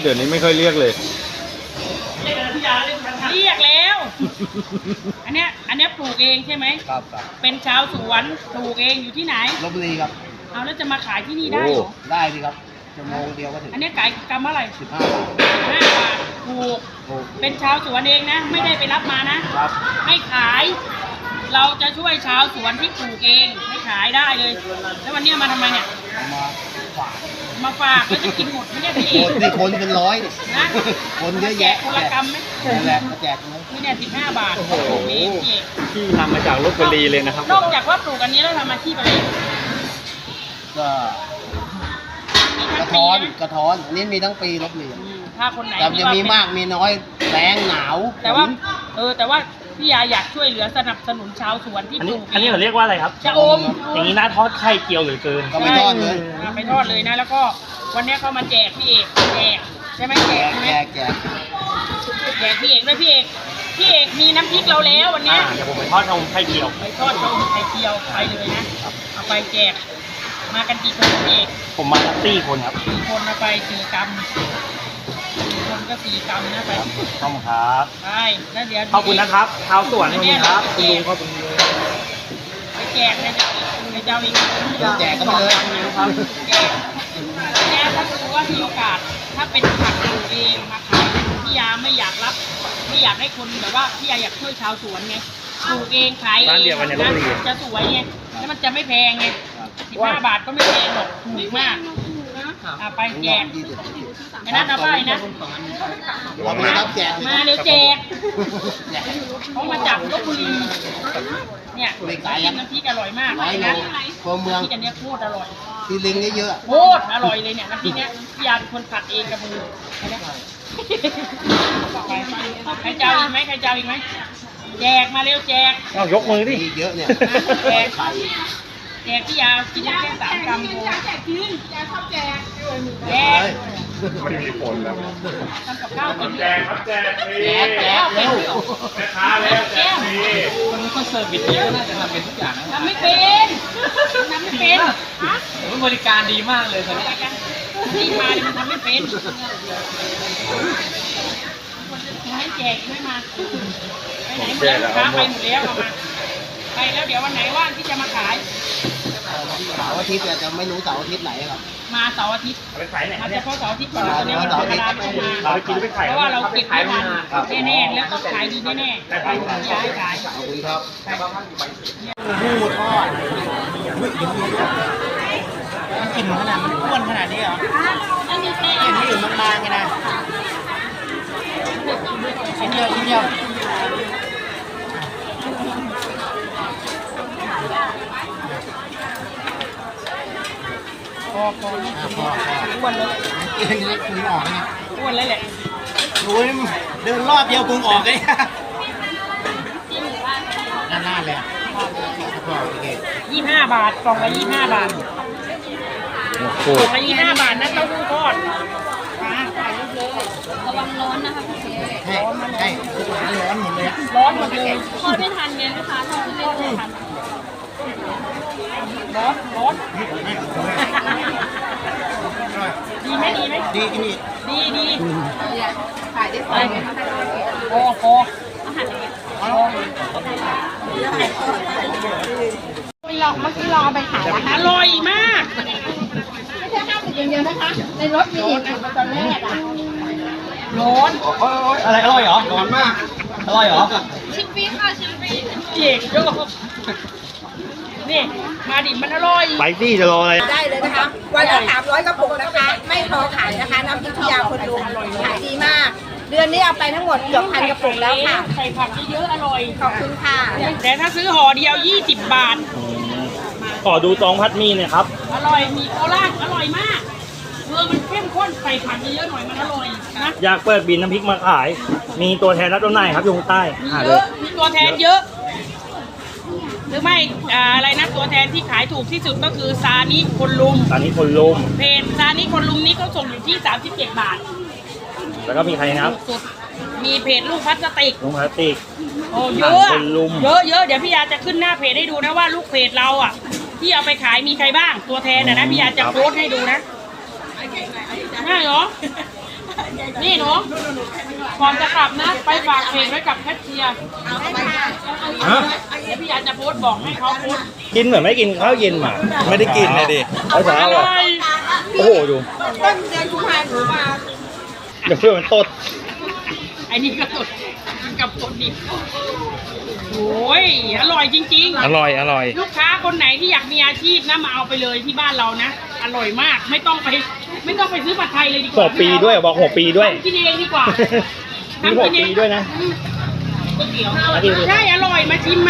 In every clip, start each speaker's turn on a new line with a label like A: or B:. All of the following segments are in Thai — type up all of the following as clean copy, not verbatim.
A: เดี๋ยวนี้ไม่ค่อยเรียกเลย
B: เรียกแล้ว อันเนี้ยปลูกเองใช่ไหม
C: ครับ
B: เป็นชาวสวนปลูกเองอยู่ที่ไหน
C: ลพบุรีครับ
B: เอาแล้วจะมาขายที่นี่ได้เหรอ
C: ได้สิครับชั่วโมงเดียวก็ถึง
B: อันนี้ขายกำเท่าไหร่
C: 15 บาท
B: 15 บาทถูกเป็นชาวสวนเองนะไม่ได้ไปรับมานะครับให้ขายเราจะช่วยชาวสวนที่ปลูกเองให้ขายได้เลยแล้ววันนี้มาทำไมเนี่ยมาฝากแล้วจะกินหมดไม่ได้พี่เอง
C: นี่คนเป็นร้อย
B: นะ
C: คนเยอะแยะ
B: คนละกำไหม
C: นั่นแหละมาแจกเลย
B: นี่เนี่ย15 บาทโอ้โห
A: พี่ทำมาจากลพบุรีเลยนะครับ
B: นอกจากว่าปลูกอันนี้แล้วทำอาชีพอะไร
C: ก็กระท้อนอันนี้มีทั้งปีลพบุรี
B: ถ้าคนไหน
C: แต่จะมีมากมีน้อยแรงหนาว
B: แต่ว่าพี่ยาอยากช่วยเหลือสนับสนุนชาวสวนที่ปลูก
A: อันนี้เขาเรียกว่าอะไรครับ
B: ชะอม
A: อย่างนี้น่าทอดไข่เจียวหรือเกิน
C: ก็ไม่ทอดเลย
B: ไม่ทอดเลยนะแล้วก็วันนี้เขามาแจกพี่เอกแจกใช่ไหมแจกพี่เอกด้วยพี่เอกมีน้ำพริกเราแล้ววันนี้
A: เดี๋ยวผมไปทอดชะอมไข่เจียว
B: ไปทอดชะอมไข่เจียวไปเลยนะเอาไปแจกมากันกี่คนพี่เอก
A: ผมมาทั้ง4 คนครับ
B: 4 คนเอาไป4 กรัมคนก็4 กรัมนะไป
A: ขอบคุณครับ
B: ไปแล้วเดี๋ยว
A: ขอบคุณนะครับชาวสวนขอบคุณครับคุณลุงขอบคุณ
B: ไปแจกนะไปเจ้าอีก
C: แจกก็ไปเลย
B: ครับแจกแล้วถ้าสมมติว่ามีโอกาสถ้าเป็นผักปลูกเองมาขายพี่ยาไม่อยากรับไม่อยากให้คนแบบว่าพี่ยาอยากช่วยชาวสวนไงปลูกเองขายเองนะจะสวยไงแล้วมันจะไม่แพงไง15 บาทก็ไม่แพงหรอกถูกมากไปแจกไม่น่าจะไปนะมาเดี๋ยวแจกเขามาจากลพบุรีเนี่ยน้ำพริกอร่อยมากเลยนะ
C: เมือง
B: ที่อันนี้โคตรอร่อย
C: ที่ลิงเยอะ
B: โคตรอร่อยเลยเนี่ยน้ำพริกเนี้ยพี่ยาเป็นคนผัดเองกับมือใครเจ้าอีกไหมแจกมาเร็วแจก
A: เอายกมือดิ
C: เยอะเนี่ย
B: แจกพี่ยากินแค่3 กรัมโแจกกินยาชอบแจก
A: มันมีผลแล้ว
B: ทำกับข้าวกิน
A: แจกครับแจกเ
B: ร็ว
A: แม่ค้าแล้วแจก
C: คนนี้ก็เสิร์ฟบิดนี้ก็น่าจะทำเป็นทุกอย่างนะ
B: ทำไม่เป็นฮะ
C: บริการดีมากเลยคนนี้
B: ที่มาเนี่ยมันทำไม่เป็นให้แจกไม่มาไปไหนหมดแล้วค้าไปหมดแล้วมาไปแล้วเดี๋ยววันไหนว่างที่จะมาขาย
C: เสาร์อาทิตย์จะไม่รู้เสาร์อาทิตย์ไหนครับ
B: มาเสาร์อาทิตย์
A: ไปขายไหน
B: มาเฉพาะเสาร์อาทิตย์ก่อนตอนนี้
C: เสาร์อาทิตย์
A: เราไปกินไปขาย
B: เพราะว่าเราเก็บไม่ทันแน่ๆแล้วต้องขายดีแน่ๆไปย้ายขาย
C: ขอบคุณครับ
B: หมูทอด
C: กินขนาดมันอ้วนขนาดนี้เหรอกินที่อื่นมันบางไงนะชิ้นเดียว
B: พออ้วนเลย
C: กินนี้คุออกไง
B: อ้วนเลยแหละ
C: โอ้ยเดินรอบเดียวคุออกเลยหน้าเลย
B: 25 บาทกล่องละ25 บาทกล่องละ25 บาทนะเต้าหู้ทอด
D: ระวังร้อนนะคะพี่เจ๊
C: ใช่ร้อนหมดเลย
B: ร้อนหมดเลย
D: ทอดไม่ทันไงนะคะทอดไม่ทัน
B: ร้อนดีไหม
C: ดีกิน
B: ดี
D: ขายได้ไป
B: พอ
D: เมื่อกี้ลองไปขายแล้ว
B: อร่อยมาก
D: ไม่ใช่50อย่างเดียวนะคะในรถมีอีกตอนแรก
B: ร้อน
A: อะไรอร่อยเหรอร้อนมากอร่อยเหรอ
D: ชิ้นปีค่ะชิ้นปี
B: เจ๋งโยนี่มาดิมันอร่อย
A: ไปสิจะรออะไร
D: ได้เลยนะคะวันละ300 กระปุกนะคะไม่พอขายนะคะน้ำพริกพิยาคนลุงขายดีมากเดือนนี้เอาไปทั้งหมดเกือบ1,000 กระปุกแล้วค่ะ
B: ใส่ผักเยอะๆอร่อย
D: ขอบคุณค่ะ
B: แต่ถ้าซื้อห่อเดียว20 บาท
A: ขอดูซองพัดมีหน่อยครับ
B: อร่อยมีโคราชอร่อยมากมันเข้มข้นใส่ผักเยอะๆหน่อยมันอร่อยนะ
A: อยากเปิดบินน้ำพริกมาขายมีตัวแทนรับจำหน่ายครับอยู่ใต้
B: มีตัวแทนเยอะหรือไม่อะไรนะตัวแทนที่ขายถูกที่สุดก็คือซานิคนลุมเพจซานิคนลุมนี้เขาส่งอยู่ที่37 บาท
A: แล้วก็มีใครนะครับ
B: มีเพจลูกพลาสติกโอ้เยอะเดี๋ยวพี่ยาจะขึ้นหน้าเพจให้ดูนะว่าลูกเพจเราอ่ะที่เอาไปขายมีใครบ้างตัวแทนนะพี่ยาจะโพสให้ดูนะง่ายเหรอนี่หนูก่อนจะกลับนะ ไปฝากเพลงไว้กับแคทเชียร์
A: ฮะ
B: เดี๋ยวพี่ยาจะโพสต์บอกให้เขาโพสต์
A: กินเหมือนไม่กินข้าวเย็นมา
E: ไม่ได้กินเลยดิ
A: เอาเช้า
B: อ
A: อ่ะ
B: ร่อย
A: โอ้โหดู
D: ต้นเดือนกุมภาพันธ์หนูมา
A: เดี๋ยวเพื่อนมันตด
B: ไอ้นี่ก็สดกินกับสดดิบโอ้ยอร่อยจริงๆ
E: อร่อย อร่อย
B: ลูกค้าคนไหนที่อยากมีอาชีพนะมาเอาไปเลยที่บ้านเรานะ อร่อยมากไม่ต้องไปซื้อผัดไทยเลยดีก
A: หัว
B: ว่า
A: ปีด้วยบอกหัวปีด้วย
B: ทำกินเองดีกว่า
A: มีหัวปีด้วยนะ
B: ใช่อร่อยมาชิมมา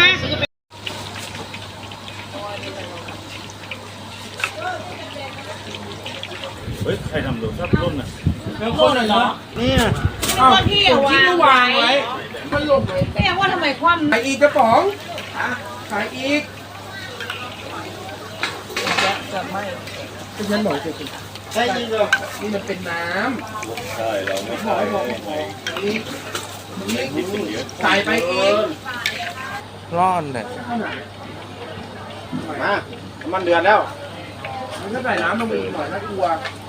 A: เฮ้ย ใครทำดูชอบร่นอ่ะ
B: โคนเหรอ
A: เนี่ย
D: ก็ที่วางไว้แม่ว่าทำไมคว่ำ
C: ขายอีกกระป๋องขายอีกฉันบอกจริงใช่จริงเหรอนี่มันเป็นน้ำใช่เราไม่ใช่ใส่ไปเอง
E: ร้อนเลย
C: มามันเดือดแล้วมันก็ใส่น้ำลงไปอีกหน่อยน่ากลัว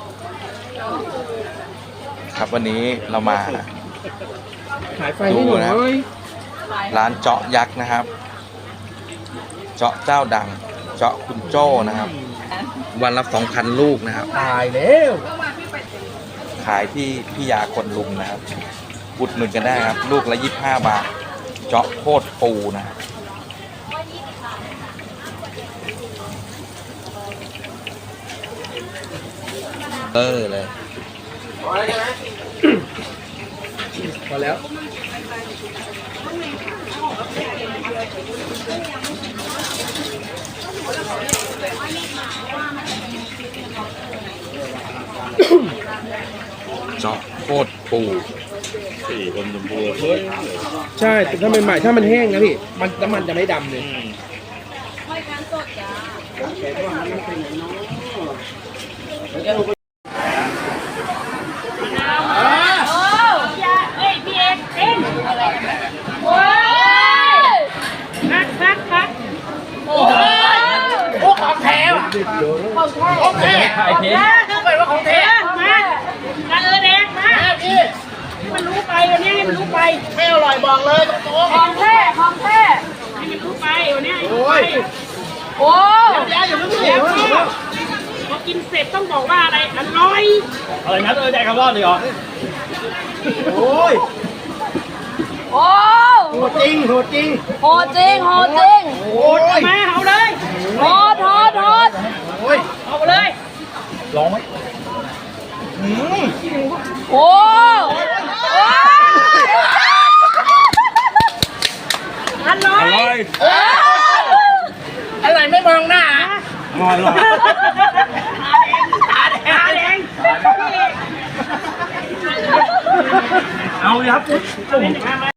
E: ครับวันนี้เรามา
C: ขายไฟให้หน่อย
E: ร้านเจาะยักษ์นะครับ เจาะเจ้าดัง เจาะคุณโจ้นะครับ วันละ 2,000 ลูกนะครับ
C: ตายแล้ว
E: ขายที่พี่ยาคนลุมนะครับ อุดหนุนกันได้ครับ ลูกละ25 บาท เจาะโคตรปูนะครับเลย
C: พอแล้ว
E: เจาะโคตรปู
C: ใช่แต่ถ้าใหม่ๆถ้ามันแห้งนะพี่มันน้ำมันจะไม่ดำเลย
B: พี่เอกเอ็นโอ้ยคักโอ้ของแท้ของแท้ขายเพชรคือแบบว่าของแท้มากันเลยแดงมาพี่มันรู้ไปวันนี้ให้มันรู้ไปไม่อร่อยบอกเลยตรงๆของแท้ให้มันรู้ไปวันนี้ให้รู้ไปโอ้อย่าเพิ่งเดี๋ยวพอกินเสร็จต้องบอกว่าอะไรอร่อย
A: อะไรนะใจคำรอดเลยเหรอ โอ้ย
D: โอ้
A: โหดจริงโหดจริง
D: โหดจริงโหดจริง
A: โอ้ย
B: มาเอาเลย
D: โหดโหดโหด
A: โอ้ย
B: เอาไปเลย
A: ลองไหม
D: โอ้โอ้
B: อร่อย
D: อะไรไม่มองหน้า
A: อร่อยหรอ
B: ตาแดง
A: เอาเลยครับ